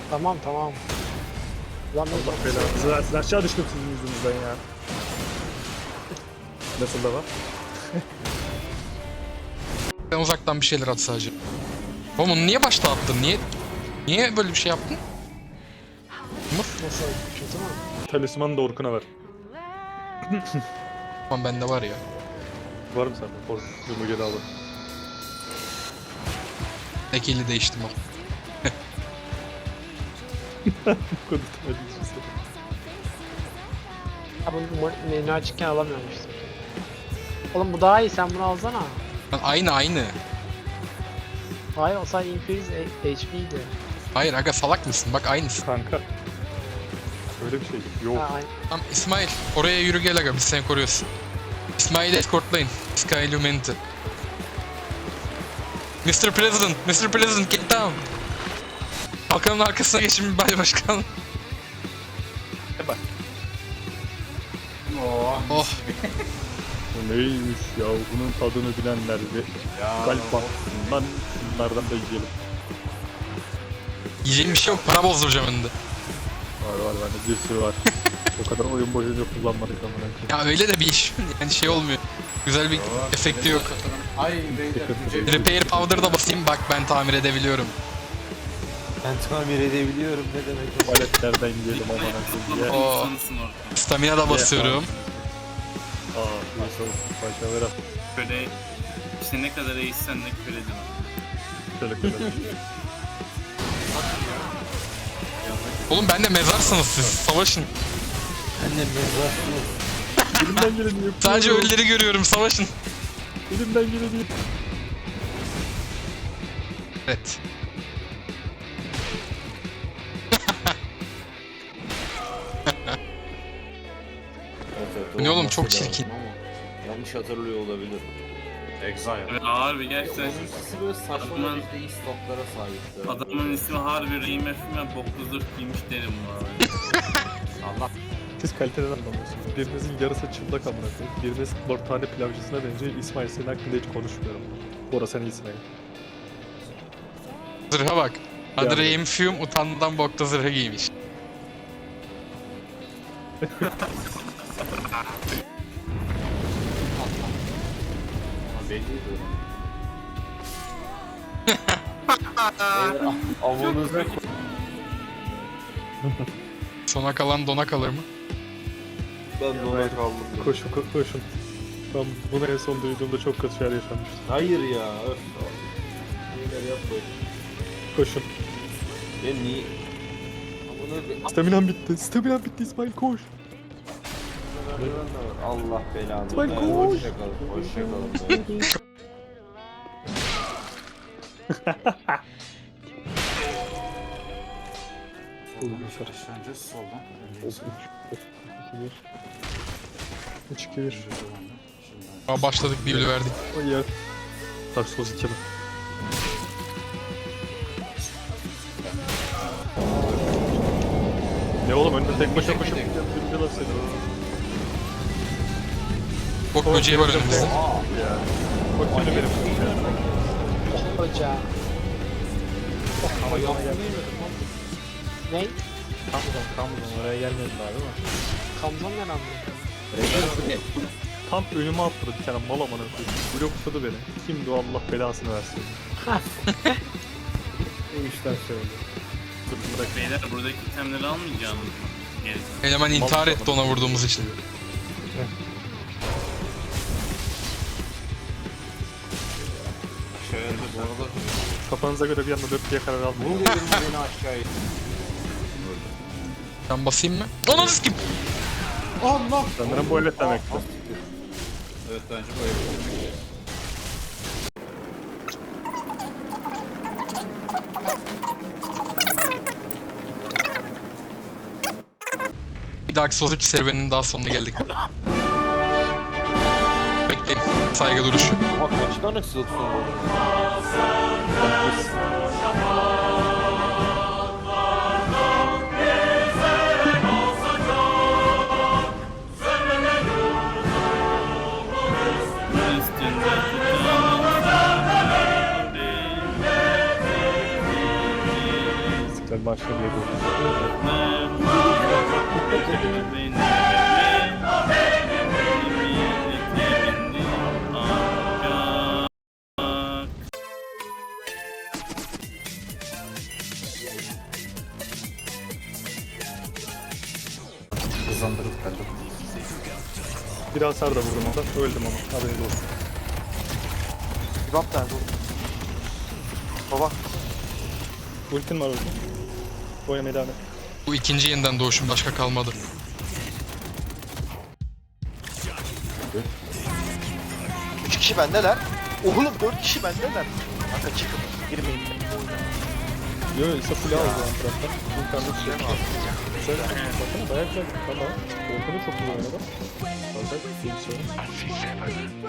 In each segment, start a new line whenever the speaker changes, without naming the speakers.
Tamam tamam. Lan
Allah belanızı versin. Aşağı düştüm sizin yüzünüzden ya. Nasıl da var?
Ben uzaktan bir şeyler at sadece. Oğlum onu niye başta attın? Niye böyle bir şey yaptın?
nasıl kötü mü?
Talismanı da Orkun'a ver.
Tamam bende var ya.
Var mı sende? Orkun. Yumru geri alın.
Ekili değiştim o.
Bu kadar talismanı.
Ha bunu menü açıkken alamıyorum işte. Oğlum bu daha iyi, sen bunu alsana.
Lan aynı.
Hayır o sadece increase HP'ydi.
Hayır aga salak mısın? Bak aynısı.
Kanka. Öyle bir şey yok.
Ha, aynı.
Tamam İsmail oraya yürü gel aga biz seni koruyoruz. İsmail'i escortlayın. Sky Illuminati. Mr. President get down. Bakanın arkasına geçin bir bay başkan.
Bak.
Oh.
Bu neymiş ya? Bunun tadını bilenler ve kalp baksınlar. Şunlardan da yiyelim.
Yiyeceğim bir şey yok. Para bozduracağım önünde.
Var bende bir sürü var. O kadar oyun boyunca kullanmadık amına koyayım.
Ya öyle de bir iş. Yani şey olmuyor. Güzel bir efekti yok.
Ay beyler.
Repair powder da basayım bak ben tamir edebiliyorum.
Ben tamir edebiliyorum ne demek o?
Tuvaletlerden yiyelim amına koyayım. Ya.
O stamina da basıyorum.
Nasıl olsun paşa ver.
Böyle işte ne kadar eğitsen de köle değil.
Şöyle.
Oğlum ben de mezarsınız siz. Savaşın.
Annem mezar.
Elimden geleni yapıyorum.
Sadece ölüleri görüyorum. Savaşın.
Elimden geleni yapıyorum.
Evet. Bu ne oğlum, çok çirkin.
Yanlış hatırlıyor olabilir. Exile.
Evet, harbi gerçekten
Oyuncusu böyle saçma
Adamın-
bir iyi stoklara sahipti.
adamın ismi harbi IMF ve boklu zırh giymiş derim bu arada.
Allah.
Siz kaliteden anlamıyorsunuz. Birinizin yarısı çıplak amına koyayım. Biriniz tane pilavcısına benziyor. İsmail senin hakkında hiç konuşmuyorum. Bora sen iyisin yani.
Zırha bak.
Yani.
Adreyim Fume utanmadan bokta zırhı giymiş.
Belliydi. Avlunuza
Sona kalan dona kalır mı?
ben dona kaldım.
Koşun. Ben bunu en son duyduğumda çok kötü şeyler yaşanmıştı.
Hayır ya. Öf. Neler yapmayın.
Koşun.
Ben niye?
Staminam bitti İsmail koş.
Allah belanı.
İsmail
versin.
koş.
Hoşçakalın.
Başlayacağız soldan.
Üç, iki, bir.
Aa, başladık bir bile verdik.
O ya. Dark Souls 2 mi? Ne oğlum önünde tek başına koşup birinci laf seni.
Bok böceği var önümüzde.
Ya. Bak şimdi benim.
Hoca.
Ama yana gel.
Ne?
Kamuzon oraya gelmediler değil mi?
Kamzon ne lan bu?
Tam önüme attırdı bir tane mal amına koyayım. Blokladı beni. Kimdi o, Allah belasını versin. Bu işten söyledi. Dur bırak.
Beyler buradaki itemleri almayacağınız mı? Gerisi.
Eleman intihar etti ona vurduğumuz için.
Şöyle bu arada.
Kafanıza göre bir anda dört diye karar almayın.
Bunu dedim beni aşağıya.
Ben basayım mı? Ananı sikim.
Allah.
Sanırım bu evet demekti.
Evet bence böyle.
Bir Dark Souls 3 serüveninin daha sonuna geldik. Bekleyin. Saygı duruşu.
Bak kaç tane sılsın var.
Üstünde
İstiklal Marşı'na bir
Hızlandırıp geldim.
Bir hasar da vurdum orada. Öldüm ama. Haberiniz olsun.
Kebap nerede oğlum? Baba.
Ultin var orada. Oynamaya devam et.
Bu ikinci yeniden doğuşum, başka kalmadı.
Üç kişi bendeler. Oğlum 4 kişi bendeler. Kanka çıkın. Girmeyin.
Yo ise full aldı yan taraftan. İnternet şey mi aldı? Güzel. Bakın bayağı güzel. Tamam. Ortada çok güzel oynadı. Bazen bir şey.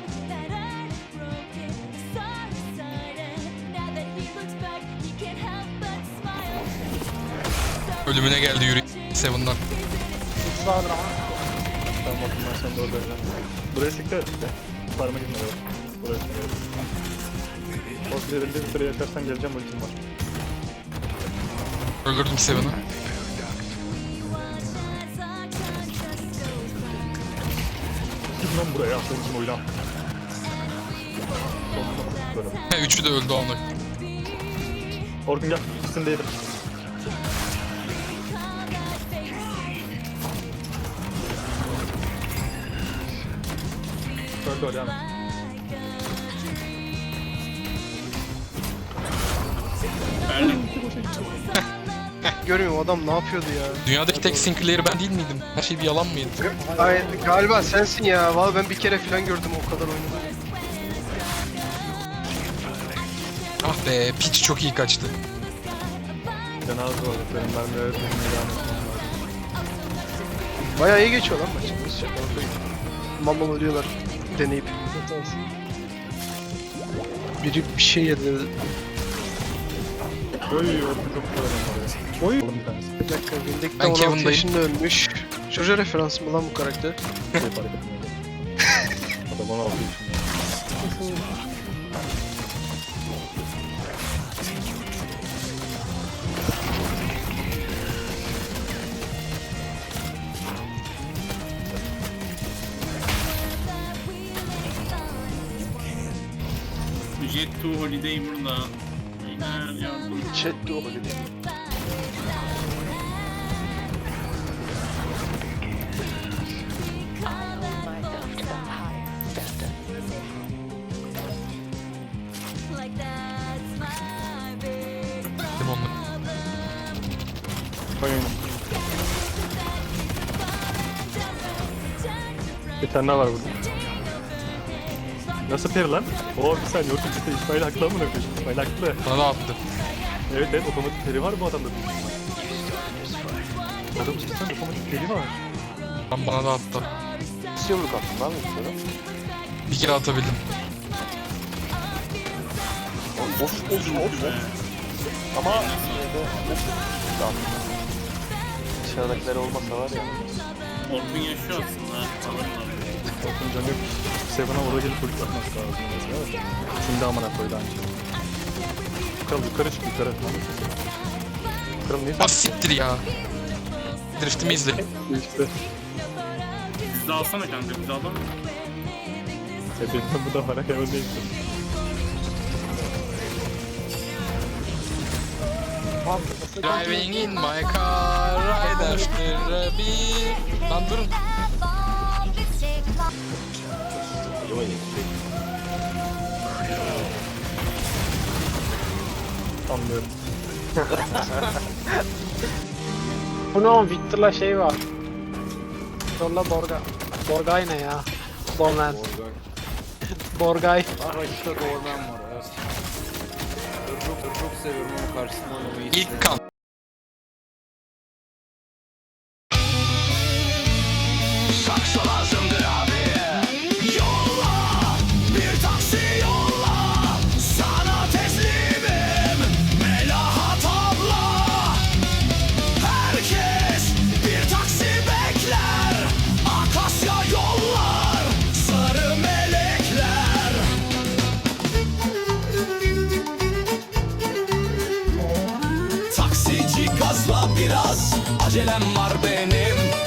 Ölümüne geldi yürü. Seven'dan.
X vardır ama.
Tamam bakın ben sen de orada öyle. Buraya siktir et işte. Parmak inme böyle. Buraya siktir et. O üzerinde bir süre yakarsan geleceğim ultim var.
Öldürdüm Seven'ı.
Git lan buraya. Senin için oyna. Böyle.
He, üçü de öldü onu.
Orkun gel. İkisini de yedim. Öldü o devam et.
Görmüyorum adam ne yapıyordu ya.
Dünyadaki tek Sinclair ben değil miydim? Her şey bir yalan mıydı?
Ay, galiba sensin ya. Vallahi ben bir kere falan gördüm o kadar oynadım.
Ah be, piç çok iyi kaçtı.
Cenaze var. Benim mermileri tutmaya devam etmem lazım.
Bayağı iyi geçiyor lan maç. Nasıl şaka yapayım. Mammal ölüyorlar deneyip. Biri bir şey yedi.
Oy Orkun çok güzel oynadı. Oy. Oğlum bir tanesi.
Bir dakika Windek'te
Ben
16
Kevin'dayım.
yaşında ölmüş. Çocuğa referans mı lan bu karakter?
Şey fark etmiyor. Adam 16 yaşında.
Jet to Holiday burada. Beyler yardım.
Chat de o dedi.
Değil mi onunla?
Oyun. Bir tane daha var burada. Nasıl peri lan? Oo bir saniye Orkun cidden İsmail haklı mı ne İsmail haklı.
Bana da attı.
Evet evet otomatik peri var bu adamda. Adamın cidden otomatik peri var.
Lan bana da attı.
Nasıl yumruk attın lan mesela?
Bir kere atabildim.
Of. Ama Tamam. Dışarıdakiler olmasa var ya.
Orkun yaşıyor aslında.
Orkun canı yok. Seven'a orada gelip polis atması lazım mesela. Şimdi amına koydu anca. Kral yukarı çık yukarı. Kral niye
Ah siktir ya. Drift'imi izle.
işte?
Biz de alsana kanka, biz de alalım.
Benim bu da var. Hemen değil.
Driving in my car, ride after a beat. Lan durun.
Anlıyorum.
Bu ne oğlum? Victor'la şey var. Victor'la Borga. Borgay ne ya? Borman. Borgay.
Araçta Gorman var. Evet. Çok seviyorum ama karşısında oynamayı hiç
İlk kan.
Taksi hızla biraz acelem var benim.